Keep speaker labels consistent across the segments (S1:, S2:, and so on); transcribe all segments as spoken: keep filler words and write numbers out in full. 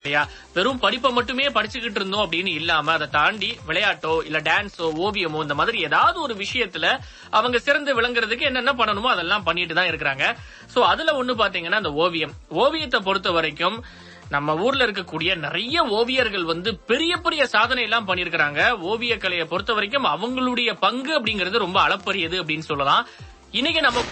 S1: இல்லையா? வெறும் படிப்பை மட்டுமே படிச்சுக்கிட்டு இருந்தோம் அப்படின்னு இல்லாம அதை தாண்டி விளையாட்டோ இல்ல டான்ஸோ ஓவியமோ இந்த மாதிரி ஏதாவது ஒரு விஷயத்துல அவங்க சிறந்து விளங்குறதுக்கு என்னென்ன பண்ணணுமோ அதெல்லாம் பண்ணிட்டு தான் இருக்கிறாங்க. சோ அதுல ஒண்ணு பாத்தீங்கன்னா அந்த ஓவியம் ஓவியத்தை பொறுத்த வரைக்கும் நம்ம ஊர்ல இருக்கக்கூடிய நிறைய ஓவியர்கள் வந்து பெரிய பெரிய சாதனை எல்லாம் பண்ணிருக்கிறாங்க. ஓவிய கலையை பொறுத்த வரைக்கும் அவங்களுடைய பங்கு அப்படிங்கிறது ரொம்ப அளப்பரியது அப்படின்னு சொல்லலாம். இன்னைக்கு நம்ம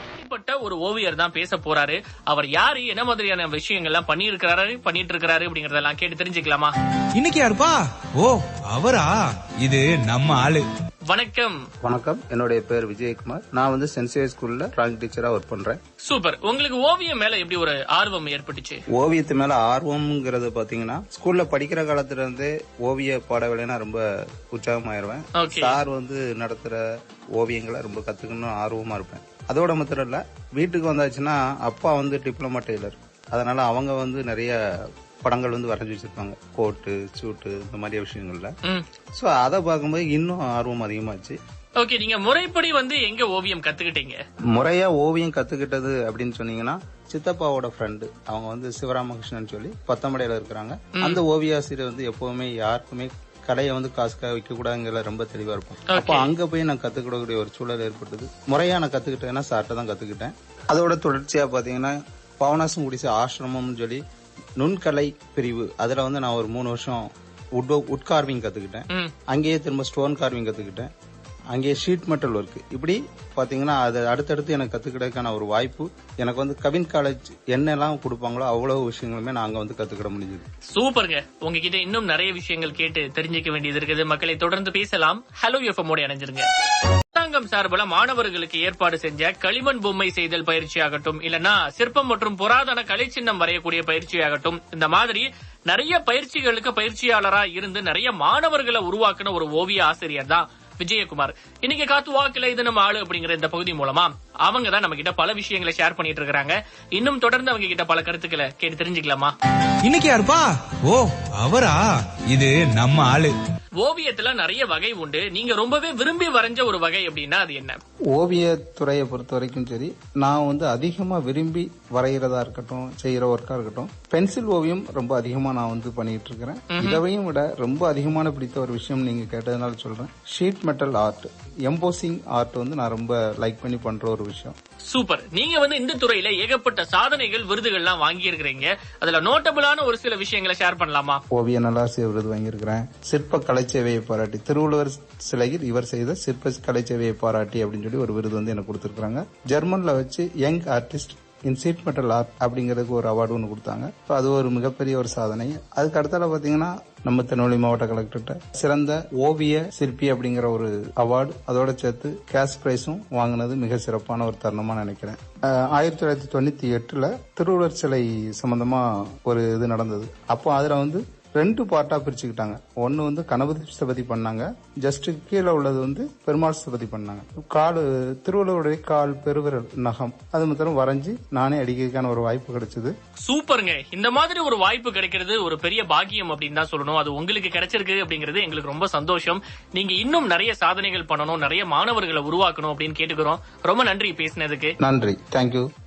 S1: ஒரு ஓவியர் தான் பேச போறாரு. அவர் யாரு, என்ன மாதிரியான விஷயங்கள் எல்லாம் பண்ணி இருக்கிறாரு பண்ணிட்டு இருக்காரு அப்படிங்கறதெல்லாம் கேட்டு தெரிஞ்சுக்கலாமா?
S2: இன்னைக்கு யாருப்பா? ஓ அவரா, இது நம்ம ஆளு.
S1: வணக்கம்.
S3: வணக்கம், என்னுடைய பேர் விஜயகுமார். நான் வந்து சென்சியர் ஸ்கூல்ல டிராயிங் டீச்சரா ஒர்க் பண்றேன்.
S1: சூப்பர். உங்களுக்கு ஓவியம் மேல எப்படி ஒரு ஆர்வம் ஏற்பட்டுச்சு?
S3: ஓவியத்து மேல ஆர்வம்ங்கிறது பாத்தீங்கன்னா ஸ்கூல்ல படிக்கிற காலத்துல இருந்தே ஓவிய பாடவேளைனா ரொம்ப உற்சாகமாயிருவேன். சார் வந்து நடத்துற ஓவியங்களை ரொம்ப கத்துக்கணும் ஆர்வமா இருப்பேன். அதோட மாத்திரம் இல்ல, வீட்டுக்கு வந்தாச்சுன்னா அப்பா வந்து டிப்ளமா டெய்லர், அதனால அவங்க வந்து நிறைய படங்கள் வந்து வரைஞ்சி வச்சிருப்பாங்க, கோட்டு சூட்டு இந்த மாதிரி விஷயங்கள்ல. சோ அதை பார்க்கும்போது இன்னும் ஆர்வம் அதிகமாச்சு.
S1: ஓகே, நீங்க முறைப்படி வந்து எங்க ஓவியம் கத்துக்கிட்டீங்க?
S3: முறையா ஓவியம் கத்துக்கிட்டது அப்படின்னு சொன்னீங்கன்னா சித்தப்பாவோட ஃப்ரெண்டு, அவங்க வந்து சிவராமகிருஷ்ணன் சொல்லி பத்தமடையில இருக்கிறாங்க. அந்த ஓவியாசிரியர் வந்து எப்பவுமே யாருக்குமே கடையை வந்து காசுக்காக வைக்க கூடாதுங்கிற ரொம்ப தெளிவா இருக்கும். அப்போ அங்க போய் நான் கத்துக்கிடக்கூடிய ஒரு சூழல் ஏற்பட்டது. முறையா நான் கத்துக்கிட்டேன்னா சார்ட்ட தான் கத்துக்கிட்டேன். அதோட தொடர்ச்சியா பாத்தீங்கன்னா பவனாசம் குடிசை ஆசிரமம்னு சொல்லி நுண்கலை பிரிவு, அதுல வந்து நான் ஒரு மூணு வருஷம் உட் உட் கார்விங் கத்துக்கிட்டேன். அங்கேயே திரும்ப ஸ்டோன் கார்விங் கத்துக்கிட்டேன். அங்கே ஷீட் மெட்டல் ஒர்க், இப்படி பாத்தீங்கன்னா அது அடுத்தடுத்து எனக்கு கத்துக்கிறதுக்கான ஒரு வாய்ப்பு. எனக்கு வந்து கவின் காலேஜ் என்னெல்லாம் கொடுப்பாங்களோ அவ்வளவு விஷயங்களுமே நான் அங்க வந்து கத்துக்கிட முடிஞ்சது.
S1: சூப்பருங்க. உங்ககிட்ட இன்னும் நிறைய விஷயங்கள் கேட்டு தெரிஞ்சுக்க வேண்டியது இருக்குது. மக்களை தொடர்ந்து பேசலாம். ஹலோ எஃப்எம் ஓட இணைஞ்சிருங்க. அரசாங்கம் சார்பில் மாணவர்களுக்கு ஏற்பாடு செஞ்ச களிமண் பொம்மை செய்தல் பயிற்சி ஆகட்டும், இல்லனா சிற்பம் மற்றும் புராதன கலை சின்னம் வரையக்கூடிய பயிற்சி ஆகட்டும், இந்த மாதிரி நிறைய பயிற்சிகளுக்கு பயிற்சியாளரா இருந்து நிறைய மாணவர்களை உருவாக்குன ஒரு ஓவிய ஆசிரியர் தான் விஜயகுமார். இன்னைக்கு காத்து வாக்குல இது நம்ம ஆளு அப்படிங்கிற இந்த பகுதி மூலமா அவங்க தான் நம்ம கிட்ட பல விஷயங்களை ஷேர் பண்ணிட்டு இருக்காங்க. இன்னும் தொடர்ந்து அவங்க கிட்ட பல கருத்துக்களை கேட்டு தெரிஞ்சுக்கலாமா?
S2: இன்னைக்கு யாருப்பா? ஓ அவரா, இது நம்ம ஆளு.
S1: ஓவியத்துல நிறைய வகை உண்டு. நீங்க ரொம்பவே விரும்பி வரைஞ்ச ஒரு வகை அப்படின்னா அது என்ன?
S3: ஓவியத்துறையை பொறுத்த வரைக்கும் சரி, நான் வந்து அதிகமா விரும்பி வரைகிறதா இருக்கட்டும், செய்யற ஒர்க்கா இருக்கட்டும், பென்சில் ஓவியம் ரொம்ப அதிகமா நான் வந்து பண்ணிட்டு இருக்கிறேன். இதையும் விட ரொம்ப அதிகமான பிடித்த ஒரு விஷயம் நீங்க கேட்டதுனால சொல்றேன், sheet metal art, embossing art வந்து நான் ரொம்ப லைக் பண்ணி பண்ற ஒரு விஷயம்.
S1: சூப்பர். நீங்க வந்து இந்த துறையில ஏகப்பட்ட சாதனைகள் விருதுகள் எல்லாம் வாங்கி இருக்கிறீங்க. அதுல நோட்டபிளான ஒரு சில விஷயங்களை ஷேர் பண்ணலாமா?
S3: ஓவிய நல்லாசிரியர் விருது வாங்கியிருக்கிறேன். சிற்ப கலைச்சேவையை பாராட்டி, திருவள்ளுவர் சிலையில் இவர் செய்த சிற்ப கலைச்சேவையை பாராட்டி அப்படின்னு சொல்லி ஒரு விருது வந்து எனக்கு கொடுத்திருக்காங்க. ஜெர்மன்ல வச்சு young artist in sheet metal art அப்படிங்கறதுக்கு ஒரு அவார்டு ஒன்று கொடுத்தாங்க. அது ஒரு மிகப்பெரிய ஒரு சாதனை. அதுக்கு அடுத்தால பாத்தீங்கன்னா நம்ம திருநெல்வேலி மாவட்ட கலெக்டர்கிட்ட சிறந்த ஓவிய சிற்பி அப்படிங்கிற ஒரு அவார்டு, அதோட சேர்த்து கேஷ் பிரைஸும் வாங்கினது மிக சிறப்பான ஒரு தருணமா நினைக்கிறேன். ஆயிரத்தி தொள்ளாயிரத்தி தொண்ணூத்தி எட்டுல திருவள்ளுவர் சிலை சம்பந்தமா ஒரு இது நடந்தது. அப்போ அதுல வந்து ரெண்டு பார்ட்டா பிரிச்சுக்கிட்டாங்க. ஒன்னு வந்து கணபதி ஸ்தபதி பண்ணாங்க, ஜஸ்ட் கீழே உள்ளது வந்து பெருமாள் ஸ்தபதி பண்ணாங்க. கால் திருவள்ளுவருடைய கால் பெருவிரல் நகம் அது மாத்திரம் வரைஞ்சி நானே அடிக்கிறதுக்கான ஒரு வாய்ப்பு கிடைச்சது.
S1: சூப்பருங்க. இந்த மாதிரி ஒரு வாய்ப்பு கிடைக்கிறது ஒரு பெரிய பாக்கியம் அப்படின்னு தான் சொல்லணும். அது உங்களுக்கு கிடைச்சிருக்கு அப்படிங்கிறது எங்களுக்கு ரொம்ப சந்தோஷம். நீங்க இன்னும் நிறைய சாதனைகள் பண்ணணும், நிறைய மாணவர்களை உருவாக்கணும் அப்படின்னு கேட்டுக்கிறோம். ரொம்ப நன்றி பேசினதுக்கு.
S3: நன்றி, தேங்க்யூ.